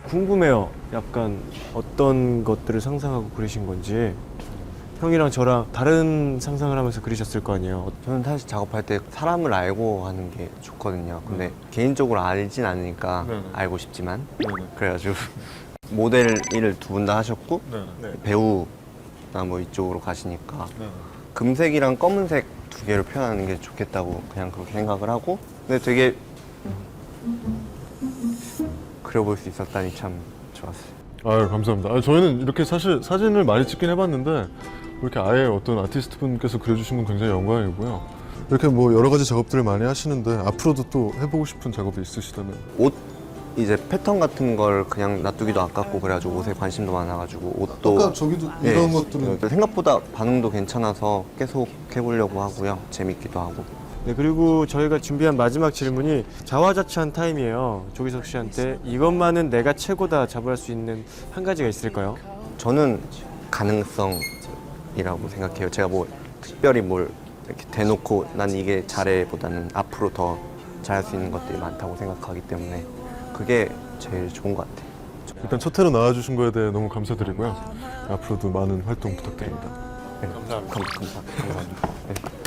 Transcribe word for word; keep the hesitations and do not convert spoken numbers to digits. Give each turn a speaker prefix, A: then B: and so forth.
A: 궁금해요. 약간 어떤 것들을 상상하고 그리신 건지. 형이랑 저랑 다른 상상을 하면서 그리셨을 거 아니에요.
B: 저는 사실 작업할 때 사람을 알고 하는 게 좋거든요. 근데 개인적으로 알진 않으니까
C: 네네.
B: 알고 싶지만
C: 네네.
B: 그래가지고 모델 일을 두 분 다 하셨고
C: 네네.
B: 배우나 뭐 이쪽으로 가시니까
C: 네네.
B: 금색이랑 검은색 두 개를 표현하는 게 좋겠다고 그냥 그렇게 생각을 하고 근데 되게 그려볼 수 있었다니 참 좋았어요.
C: 아유, 감사합니다. 아, 저희는 이렇게 사실 사진을 많이 찍긴 해봤는데 이렇게 아예 어떤 아티스트 분께서 그려주신 건 굉장히 영광이고요. 이렇게 뭐 여러 가지 작업들을 많이 하시는데 앞으로도 또 해보고 싶은 작업이 있으시다면?
B: 옷 이제 패턴 같은 걸 그냥 놔두기도 아깝고 그래가지고 옷에 관심도 많아가지고 옷도
C: 아까 저기도
B: 예,
C: 이런 것들은
B: 생각보다 반응도 괜찮아서 계속 해보려고 하고요. 재밌기도 하고.
A: 네, 그리고 저희가 준비한 마지막 질문이 자화자찬 타임이에요. 조기석 씨한테 이것만은 내가 최고다 자부할 수 있는 한 가지가 있을까요?
B: 저는 가능성이라고 생각해요. 제가 뭐 특별히 뭘 이렇게 대놓고 난 이게 잘해보다는 앞으로 더 잘할 수 있는 것들이 많다고 생각하기 때문에 그게 제일 좋은 것 같아요.
C: 일단 첫 회로 나와주신 거에 대해 너무 감사드리고요. 앞으로도 많은 활동 부탁드립니다.
B: 네, 감사합니다. 감사합니다. 감사합니다. 네.